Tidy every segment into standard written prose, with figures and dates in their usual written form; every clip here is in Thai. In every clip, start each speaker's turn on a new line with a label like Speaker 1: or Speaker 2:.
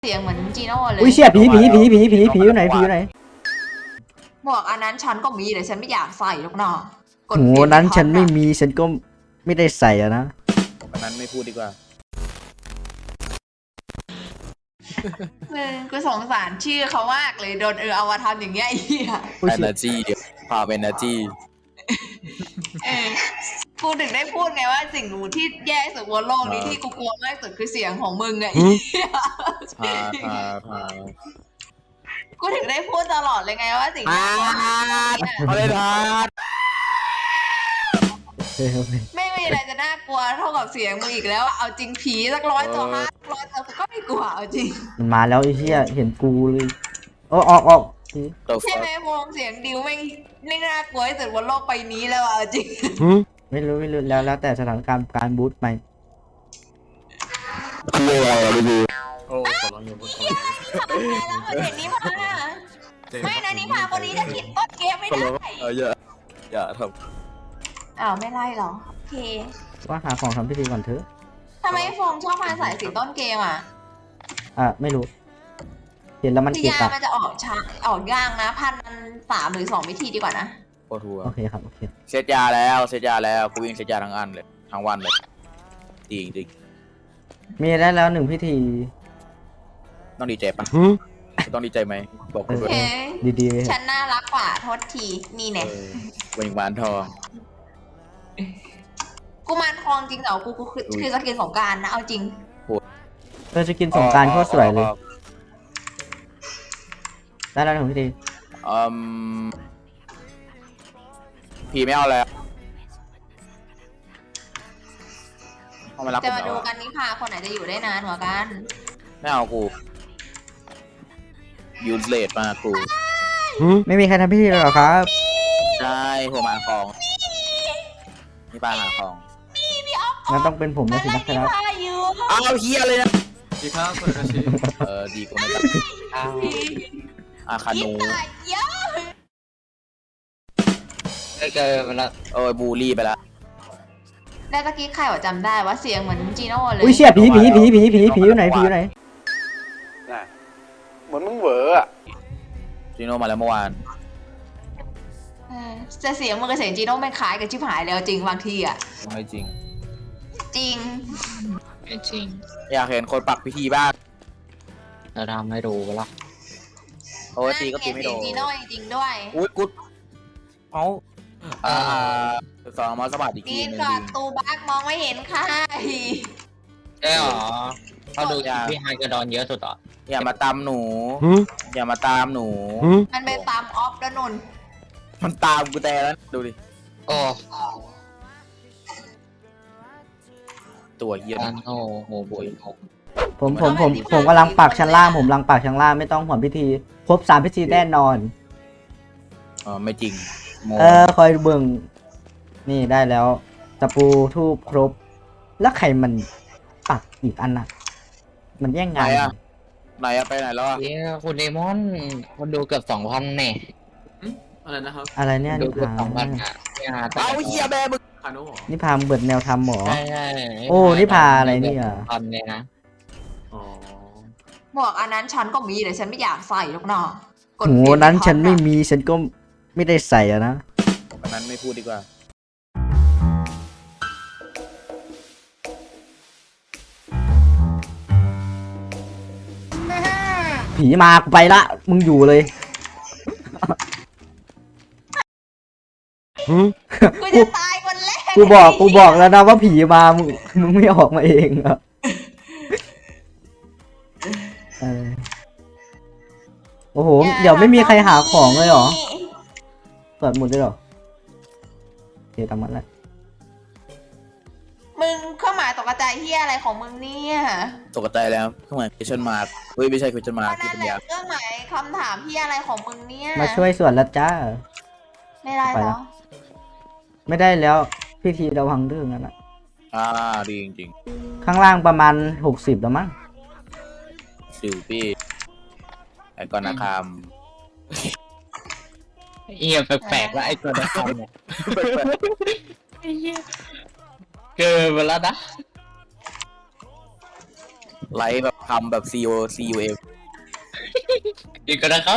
Speaker 1: เสียงเหมือนจีโน่เลย
Speaker 2: อุ้ยเชี่ยผีอยู่ไหนผีอยู่ไหน
Speaker 1: หมวกอันนั้นฉันก็มีแต่ฉันไม่อยากใส่หรอกเนาะ
Speaker 2: โหนั้นฉันไม่มีฉันก็ไม่ได้ใส่อะนะ
Speaker 3: อันนั้นไม่พูดดีกว่า
Speaker 1: กูสงสารชื่อเขามากเลยโดนเอามาทำอย่างเงี้ยไอ้เหี้ย
Speaker 3: energy พาเป็น energy
Speaker 1: กูถึงได้พูดไงว่าสิ่งหนูที่แย่ที่สุดบนโลกนี้ที่กูกลัวมากสุดคือเสียงของมึงไง
Speaker 3: พา
Speaker 1: กูถึงได้พูดตลอดเลยไงว่าสิ่งที่
Speaker 3: เขาเลยทาด
Speaker 1: ไม่มีอะไรจะน่ากลัวเท่ากับเสียงมึงอีกแล้วเอาจริงผีสัก100 ตัว500 ตัวก็ไม่กลัวเอาจริง
Speaker 2: มันมาแล้วไอ้เหี้ยเห็นกูเลยออก
Speaker 1: ใช่ไหมวงเสียงดิวไม่น่ากลัวที่สุดบนโลกใบนี้แล้วเอาจริง
Speaker 2: ไม่รู้แล้วแต่สถานการณ์การบูทไป
Speaker 3: โอ้ขอร้องอย่าพูด
Speaker 1: แล้วมันเห็นนิพาไม่นะนิพาคนนี้จะคิดต้นเกมไม่ได้
Speaker 3: อย่าท
Speaker 1: ำไม่ไล่หรอโอเค
Speaker 2: ว่าหาของทำพิธีก่อนเถอะ
Speaker 1: ทำไมฟงชอบมาใส่สีต้นเกม
Speaker 2: ไม่รู้เห็นแล้วมัน
Speaker 1: คื
Speaker 2: เกลียด
Speaker 1: ยามันจะออกย่างนะ1,003หรือ2 วิธีดีกว่านะ
Speaker 3: โคตรทัว
Speaker 2: โอเคครับโอเค
Speaker 3: เซตยาแล้วกูวิ่งเซตยาทั้งอันเลยทั้งวันเลยจริง
Speaker 2: มีได้แล้ว1 พิธี
Speaker 3: ต้องดีใจปะต้องดีใจไหมบอกกูด้วย
Speaker 2: ดี
Speaker 1: ฉันน่ารักกว่าโทษทีนี่เนี่ย
Speaker 3: วิงวานทอง
Speaker 1: กูมารทองจริงเหรอกูคือสกินสงกรานต์นะเอาจริง
Speaker 2: จะกินสงกรานต์โคตรสวยเลยได้แล้ว1 พิธี
Speaker 3: ผีไม่เอาแล้ว
Speaker 1: จะมาดูกันนิพาคนไหนจะอยู่ได้นานกว่ากัน
Speaker 3: ไม่เอากูยูสเลดมากู
Speaker 2: ไม่มีใครทำพิธีหรอครับ
Speaker 3: ใช่หัวมาของนี่ปลาหาของ
Speaker 2: งั้นต้องเป็นผมนะสินะครับ
Speaker 3: เอาเฮียเลยนะ
Speaker 4: ดีครับคุณอาชี
Speaker 3: ดีกว่าไม่ตัดคานู
Speaker 4: เจอไปแล้ว
Speaker 3: บูลลี่ไปแล้ว
Speaker 1: ได้ตะกี้ใครจำได้ว่าเสียงเหมือนจีโน่เลย
Speaker 2: อุ้ยเชี่ยผีอยู่ไหน
Speaker 4: เหมือนมึงเหวออะ
Speaker 3: จีโน่มาแล้วเมื่อวาน
Speaker 1: จะเสียงมึงกับเสียงจีโน่ไม่คล้ายกันชิบหายแล้วจริงบางที
Speaker 3: ไม่จริง
Speaker 1: จริง
Speaker 4: ไม่จริง
Speaker 3: อยากเห็นคนปักพิธีบ้าง
Speaker 4: จะทำให้ดูกันละ
Speaker 3: โอ้ตีก็ตีไม่โดน
Speaker 1: จีโน่จริงด้วย
Speaker 3: อุ้ยกุ๊ดเอาสองมาสบัดอีกที
Speaker 1: นึงกอดตูบักมองไม่เห็นค่ะ
Speaker 4: ได้หรอเขาดูพี่ไฮกระดอนเยอะสุดต่อ
Speaker 3: อย่ามาตามหนูอย่ามาตามหนู
Speaker 1: มันไปตามออฟแล้วนน
Speaker 3: มันตามกูแต่แล้วดูดิ
Speaker 4: โอ้
Speaker 3: ตัวเหี้ย
Speaker 4: โอ้โหบุย
Speaker 2: ผมกำลังปักชั้นล่างไม่ต้องห่วงพิธีครบ3 พิธีแน่นอน
Speaker 3: ไม่จริง
Speaker 2: คอยเบิ่งนี่ได้แล้วตะปูทูบครบแล้วใครมันปักอีกอันน่ะมันแย่งงาน
Speaker 3: ไหนไปไหนแล้ว
Speaker 4: คุณเดมอนคนดูเกือบ2,000เนี่ย
Speaker 3: อะไรนะครับ
Speaker 2: อะไรเนี่ย
Speaker 4: ดูเกือบ2,000
Speaker 3: เอาเฮียแม่มึง
Speaker 2: นี่พาเบิดแนวทำหมอ
Speaker 4: ใช่
Speaker 2: โอ้นี่พาอะไรนี่
Speaker 4: เลยนะ
Speaker 1: หมวกอันนั้นฉันก็มีแต่ฉันไม่อยากใส่หรอกเนาะ
Speaker 2: โหนั้นฉันไม่มีฉันก็ไม่ได้ใส่อะนะ
Speaker 3: อันนั้นไม่พูดดีกว่า
Speaker 2: ผีมากูไปละมึงอยู่เลย
Speaker 1: กูจะตายคนแรก
Speaker 2: กูบอกแล้วนะว่าผีมามึงไม่ออกมาเองอะโอ้โหเดี๋ยวไม่มีใครหาของเลยเหรอเปิดหมดเลยเหรอโอเคตามมันแล้ว
Speaker 1: มึงเครื่องหมายตกใจเฮียอะไรของมึงเนี่ย
Speaker 3: ตกใจแล้วเครื่องหมาย question mark เฮ้ยไม่ใช่ question mark
Speaker 1: นั่นแหละเครื่องหมายคำถามเฮียอะไรของมึงเนี่ย
Speaker 2: มาช่วยส่วนแล้วจ้า
Speaker 1: ไม่ได้แล้ว
Speaker 2: ไม่ได้แล้วพิธีระวังเรื่องนั้นนะ
Speaker 3: ดีจริง
Speaker 2: ๆข้างล่างประมาณ60แล้วมั้ง
Speaker 3: พี่ไอ้ก้อนนาคาม
Speaker 4: แปลกๆแล้วไอ้ก้อนนาคามเนี่ยเกินไปแล้วนะ
Speaker 3: ไลฟ์แบบคำแบบ COCUM
Speaker 4: อีกก็นะครับ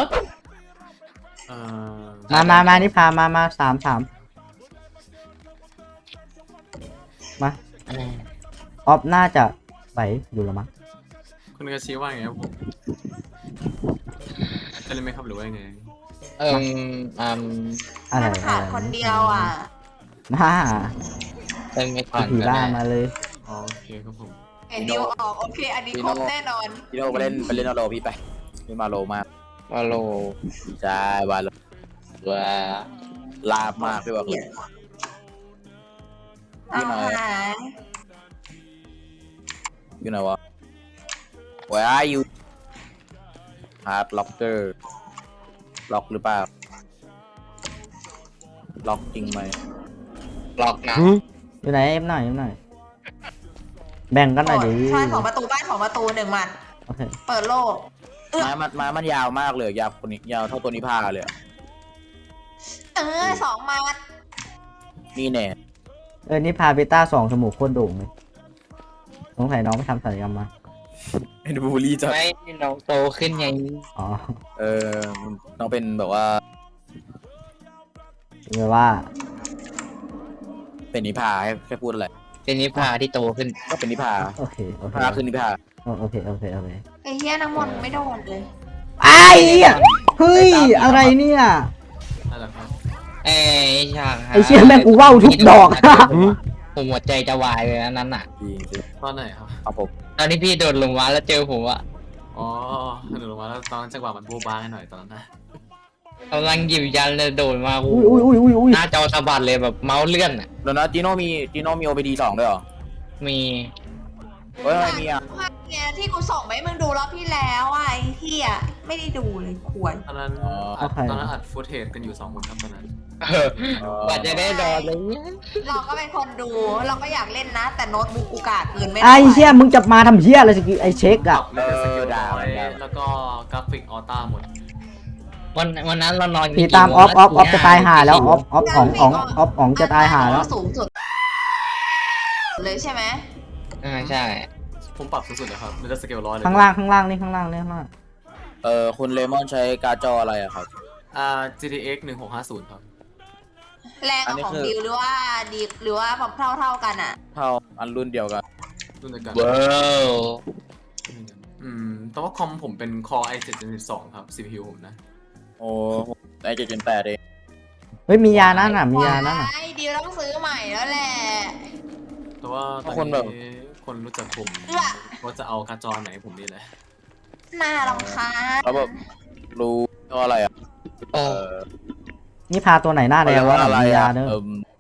Speaker 2: มานี่พามาสามมาออฟน่าจะไหวอยู่แล้วมั้ง
Speaker 5: คุณกระชี้ว่าไงครับผมจะเล่นไหมครับหรือว่าไง
Speaker 2: อะไร
Speaker 1: มันขาดคนเดียวอ่ะ
Speaker 2: มา
Speaker 4: เป็นไม่ก่อน
Speaker 2: ผี
Speaker 4: ก็
Speaker 2: ล่า
Speaker 4: ได้
Speaker 2: มาเลย
Speaker 5: อ๋อโอเคครับผม
Speaker 1: เห็นดิวออกโอเค อันนี้ครบแน่นอน
Speaker 3: พี่โน่ไปเล่นอโลพี่ไปพี่มาโลมาก
Speaker 4: วาโล
Speaker 3: ใช่วาโล
Speaker 4: ว่า
Speaker 3: ลาบมากพี่บอกเลย
Speaker 1: เอาหาย
Speaker 3: อยู่ไหนวะ Where are you Hard Locker ล็อกหรือเปล่าล็อกจริงไหม
Speaker 4: หลอกนะ
Speaker 2: อยู่ไหนเอ็มหน่อยแบ่งกันหน่อยดิ
Speaker 1: ใช่ของประตูบ้านของประตูหนึ่งหมัด
Speaker 2: โอเค
Speaker 1: เปิดโลก
Speaker 3: มันยาวมากเลยยาวคนนี้ยาวเท่าตัวนี้ผ้าเลยอะ
Speaker 1: สองหมัด
Speaker 3: นี่แน่
Speaker 2: นี่พาเบต้า2จมูกโคตรโด่งเลยสงสัยน้องไปทำศัลยกรรมมา
Speaker 3: ไอ้ดูบูลลี่จัด
Speaker 4: ไม่น้องโตขึ้นไง
Speaker 2: อ๋อ
Speaker 3: น้องเป็นแบบว่า
Speaker 2: แปลว่า
Speaker 3: เป็นนิพาแค่พูดอะไร
Speaker 4: เป็นนิพาที่โตขึ้น
Speaker 3: ก็เป็นนิพา
Speaker 2: โอเคโอเค
Speaker 3: พาคือนิพา
Speaker 2: โอเค
Speaker 1: ไอ้เหี้ยน้ำมนต์ไม่โดนเลย
Speaker 2: ไอ้เหี้ยเฮ้ยอะไรเนี่ย
Speaker 5: นั่นแหละครับ
Speaker 4: เอ้ยฉาก
Speaker 2: ไอ้เชี่ยแม่งกูว่าวทุกดอก
Speaker 4: ผมหัวใจจะวายเลยนะนั้นอ่ะ
Speaker 3: จริงจริง
Speaker 5: ตอนไหนครับ
Speaker 3: เอาผม
Speaker 4: ตอนที่พี่โดนลงมาแล้วเจอผมอะ
Speaker 5: อ๋อหนูลงมาแล้วตอนจังหวะมันโบ๊ะบ้าให้หน่อยตอนนั้นนะ
Speaker 4: กำลังหยิบยันเลยโดดมา
Speaker 2: อุ้ย
Speaker 4: หน้าจอสะบัดเลยแบบเมาส์เลื่อนอะ
Speaker 3: แล้วนะจีโน่มี OPD 2ด้วยเหรอ
Speaker 4: มี
Speaker 3: เฮ้ยทำไมมีอ่ะ
Speaker 1: ภาพเนี่ยที่กูส่งไปให้มึงดูรอบที่แล้วอ่ะไอ้เหี้ยไม่ได้ดูเลยควร
Speaker 5: ตอนนั้นอัดฟุตเทจกันอยู่2 คนครับตอนนั้น
Speaker 4: กว่าจะได้โดนเลยเนี่ย
Speaker 1: เราก็เป็นคนดูเราก็อยากเล่นนะ แต่โน้ตบุ๊กกูกากเกินไม่
Speaker 2: ไอ้เชี่ยมึงจะมาทำเชี่ยอะไรสกิลไอ้เช็ค
Speaker 5: ปรั
Speaker 2: อะ
Speaker 5: บแล้วก็สกิลน้อยแล้วก็กราฟิกออต้าหมด
Speaker 4: วันนั้นเรานอน
Speaker 2: พี่ตามออฟจะตายหาแล้วออฟของจะตายหาแล้ว
Speaker 1: สูงสุดเลยใช่ไหม
Speaker 4: ใช่
Speaker 5: ผมปรับสูงสุดเลยครับมันจะสเกล100เลย
Speaker 2: ข้างล่างนี่ข้างล่าง
Speaker 3: คุณเลมอนใช้การ์ดจออะไรอะครับ
Speaker 5: GTX 1650ครับ
Speaker 1: แรงกับของดิวหรือว่าดีหรือว่าเท่ากันอ่ะ
Speaker 3: เท่าอันรุ่นเดียวกัน
Speaker 5: รุ่นเดียวกัน
Speaker 4: ว้าว
Speaker 5: แต่ว่าคอมผมเป็น Core i7 Gen 2ครับ CPU ผมนะ
Speaker 3: โอ้ไอ7 8เอง
Speaker 2: เฮ้ยมียานั่นน่ะมียานั่นน่ะ
Speaker 1: ไอ้ดิวต้องซื้อใหม่แล้วแหละ
Speaker 5: แต่ว่าตอนนี้คนรู้จักผมว่าจะเอาการ์ดจอไหนผมนี่แหละ
Speaker 1: น่ารำคาญ
Speaker 3: แล้วแบบรู้ว่าอะไรอ่ะ
Speaker 4: โอ้
Speaker 2: นี่พาตัวไหนหน้าแดงวะ
Speaker 3: อะไร
Speaker 2: มียา
Speaker 3: อ่ะ
Speaker 2: เนอะ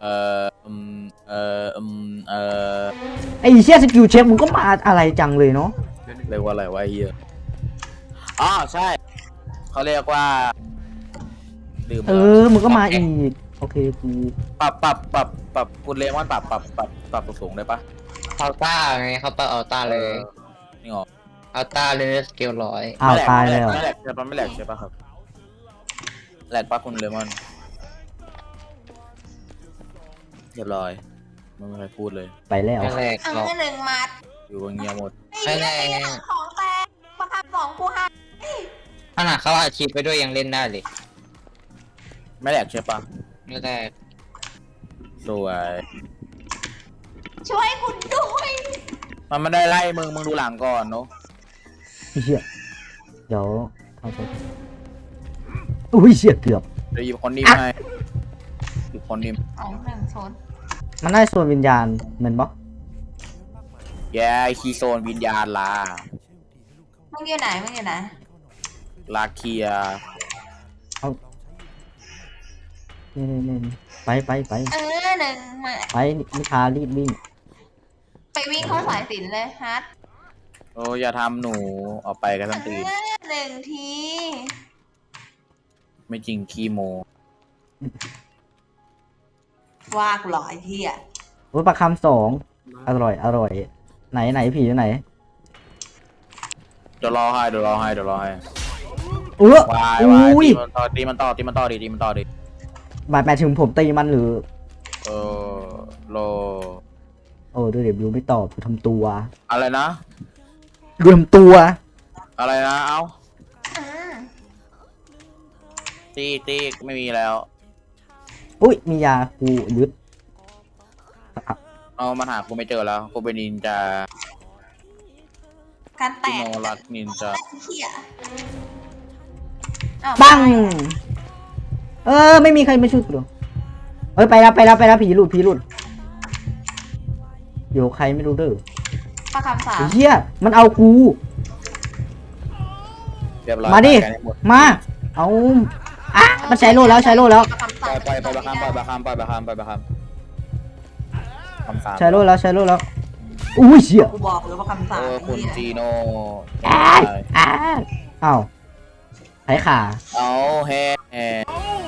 Speaker 2: ไอ้เชี่ยสกิลเช็คมึงก็มาอะไรจังเลยเนาะ
Speaker 3: เรียกว่าอะไรวะไอ้เหี้ยอ๋อใช่เขาเรียกว่าดื่ม
Speaker 2: มึงก็มาอีกโอเคกู
Speaker 3: ปรับคุณเลมอนปรับสูงได้ปะ
Speaker 4: อัลต้าไงเขาปรับอัลต้าเลย
Speaker 3: นี่หรอ
Speaker 4: อัลต้าเลยสเกล100
Speaker 2: อ้าวตายแล้ว
Speaker 3: ไม่แหลกใช่ปะไม่แหลกใช่ปะครับแหลกปะคุณเลมอนเรียบร้อยไม่มีใครพูดเลย
Speaker 2: ไปแล้ว
Speaker 4: ไม่แรกหรอก
Speaker 1: หนึ่งมัด
Speaker 3: อยู่กันเงียบหมด
Speaker 1: ไอ้เหี้ยของแตกประคับสองกูห้า
Speaker 4: ขนาดเขาอาชีพไปด้วยยังเล่นได้เลย
Speaker 3: ไม่แหลกใช่ปะ
Speaker 4: ไม่แรก
Speaker 3: สวย
Speaker 1: ช่วยคุณด้วย
Speaker 3: มันไม่ได้ไล่มึงดูหลังก่อนเนาะ
Speaker 2: เชี่ยเดี๋ยวทำตัวอุ้ยเชี่ยเกือบ
Speaker 3: เดี๋ยวหยิบคนนิ่มให้หยิบคนนิ่ม
Speaker 1: 1โซน
Speaker 2: มันได้ส่วนวิญญาณเหมือนบล็อก
Speaker 3: แย่คีโซนวิญญาณลา
Speaker 1: มึงอยู่ไหนมึงอยู่ไหน
Speaker 3: ลาเคีย
Speaker 2: นี่ไป
Speaker 1: หนึ่งมา
Speaker 2: ไปนิพารีบวิ่ง
Speaker 1: ไปวิ่งเข้าสายสินเลยฮัท
Speaker 3: โอ้อย่าทำหนูออกไปกันทั้งตี
Speaker 1: หนึ่งที
Speaker 3: ไม่จริงขี้โม
Speaker 1: ว่ากูหล่อไอ้เหี้ย
Speaker 2: โอ้ยปลาคำ2อร่อยไหนผีอยู่ไหน
Speaker 3: เดี๋ยวรอให้
Speaker 2: วาย
Speaker 3: ตี
Speaker 2: อุ้ย
Speaker 3: มันต่อดิ
Speaker 2: หมายถึงผมตีมันหรือ
Speaker 3: โล
Speaker 2: โอ้ดูเดี๋ยวยูไม่ตอบกูทำตัว
Speaker 3: อะไรนะ
Speaker 2: รวมตัว
Speaker 3: อะไรนะเอ้า
Speaker 1: อืม
Speaker 3: ตีไม่มีแล้ว
Speaker 2: อุ้ยมียากูยึด
Speaker 3: เอามาหากูไม่เจอแล้วกูเป็นนินจา
Speaker 1: การแต
Speaker 3: ติ
Speaker 1: ก
Speaker 3: โนรัตนินจา
Speaker 1: เหี้ยอ้าว
Speaker 2: ปังไม่มีใครมาช่วยกูหรอไปแล้วผีหลุดเดี๋ยวใครไม่รู้เด้อ
Speaker 1: ประคำสาม
Speaker 2: ไอ้เหี้ยมันเอากู
Speaker 3: เรียบร้อย
Speaker 2: มาดิ
Speaker 3: ไปกันให้หด
Speaker 2: มาเอามันใช้โล่แล้ว
Speaker 1: ประคำสาม
Speaker 3: ไปบาคามคำสาม
Speaker 2: ใช้โล่แล้วอุ้ยเชี่ย
Speaker 1: กูบอกเลยว่าคำสาม
Speaker 3: คุณจีโน่
Speaker 2: อ้าวไถขา
Speaker 3: เอาแฮ